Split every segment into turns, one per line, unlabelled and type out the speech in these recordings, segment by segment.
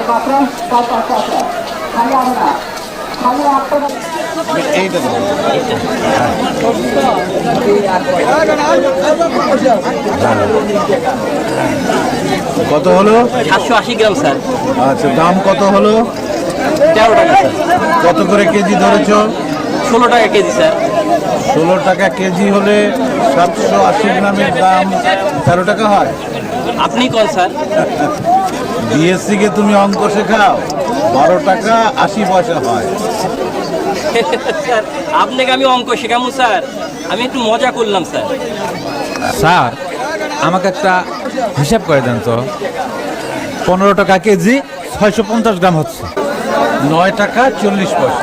কত হলো?
780 গ্রাম স্যার।
আচ্ছা, দাম কত হলো?
13 টাকা স্যার।
কত করে কেজি ধরেছ?
16 টাকা কেজি স্যার।
16 টাকা কেজি হলে 780 গ্রামের দাম 13 টাকা হয়।
আপনি কোন স্যার?
বিএসসি কে তুমি অঙ্ক শেখাও, 12 টাকা 80 পয়সা হয়।
স্যার আপনাকে আমি অঙ্ক শেখাবো স্যার? আমি একটু মজা করলাম স্যার।
স্যার আমাকে একটা হিসাব করে দেন তো। 15 টাকা কেজি 650 গ্রাম হচ্ছে।
9 টাকা 40 পয়সা।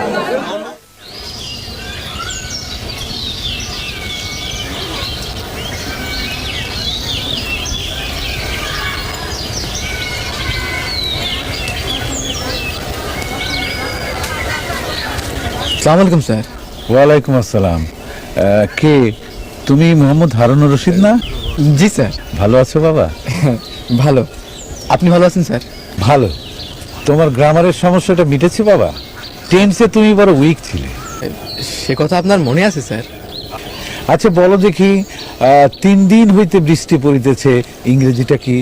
আসসালামু আলাইকুম স্যার।
ওয়ালাইকুম আসসালাম। কে তুমি? মোহাম্মদ হারুনুর রশিদ না?
জি স্যার।
ভালো আছো বাবা?
ভালো, আপনি ভালো আছেন স্যার?
ভালো। তোমার গ্রামারের সমস্যাটা মিটেছে বাবা? টেন্সে তুমি বড় উইক ছিলে।
সে কথা আপনার মনে আছে স্যার?
আচ্ছা বলো দেখি, 3 দিন হইতে বৃষ্টি পড়িতেছে, ইংরেজিটা কি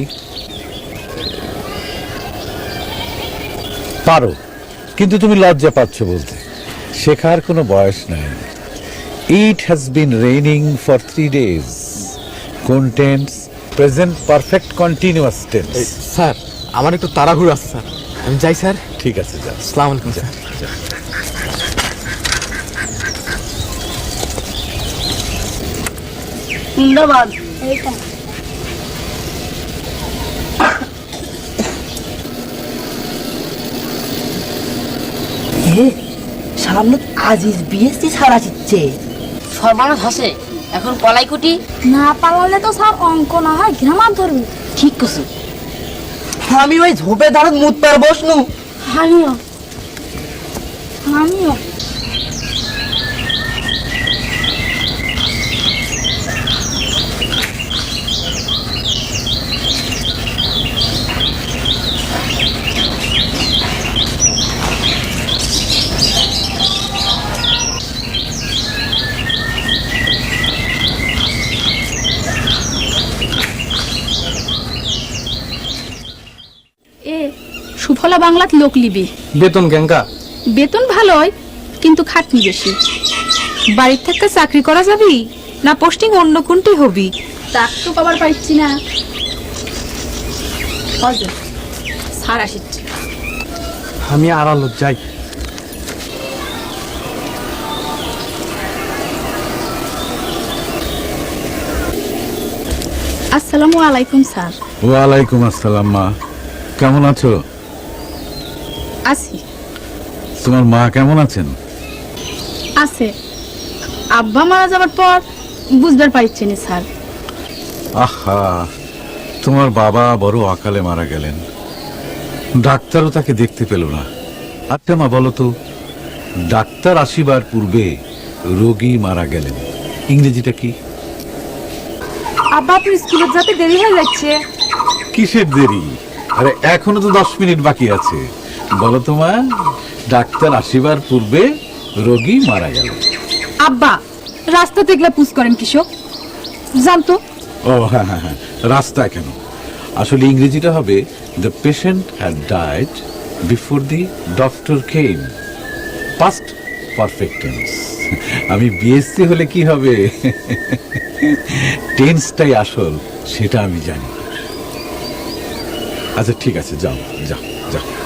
পারো? কিন্তু তুমি লজ্জা পাচ্ছ বলতে। শেখার কোনো বয়স নাই। It has been raining for 3 days। কোন tense? Present perfect continuous tense.
Sir আমার একটু তাড়াহুড়ো আছে স্যার, আমি যাই স্যার।
ঠিক আছে, যা।
আসসালামু আলাইকুম স্যার।
ধন্যবাদ। সামনে আজিজ বিএসসি ছাড়া দিচ্ছে।
সর্বনাশ হাসে এখন কলাইকুটি
না পারলে তো স্যার অঙ্ক না হয় গ্রামার ধরবি।
ঠিক করছে।
আমি ওই ঝোপে দাঁড়াত মুত পার বসনু।
আমিও আমিও
সুফলা বাংলাত লোক লিবি।
বেতন কেঙ্কা?
বেতন ভালোই, কিন্তু খাটনি বেশি। বাড়ির থেকে চাকরি করা যাবি না পোস্টিং অন্য কোনটি হবি? তাক তো পাবার পাইছি না। স্যার আসিচ্ছে।
আমি আড়ালো যাই।
আসসালামু আলাইকুম স্যার।
ওয়ালাইকুম আসসালাম। মা কেমন আছো?
আছি।
তোমার মা কেমন আছেন?
আছে। আব্বা মারা যাবার পর বুঝবার পারছি না স্যার।
আহা, তোমার বাবা বড় অকালে মারা গেলেন, ডাক্তারও তাকে দেখতে পেল না। আচ্ছা মা বলো তো, ডাক্তার আসিবার পূর্বে রোগী মারা গেলেন, ইংরেজিটা কি?
আব্বা তো স্কুলে যেতে দেরি হয়ে যাচ্ছে।
কিসের দেরি? আরে এখনো তো 10 মিনিট বাকি আছে। বলো তো মা, ডাক্তার আসিবার পূর্বে রোগী মারা গেল।
আব্বা রাস্তা দেখলে পুষ করেন কৃষক জানতো।
ও হ্যাঁ হ্যাঁ হ্যাঁ, রাস্তায় কেন? আসলে ইংরেজিটা হবে the patient had died before the doctor came. Past perfect tense. আমি বিএসসি হলে কি হবে, টেন্সটাই আসল সেটা আমি জানি। আচ্ছা ঠিক আছে, যাও যাও যাও।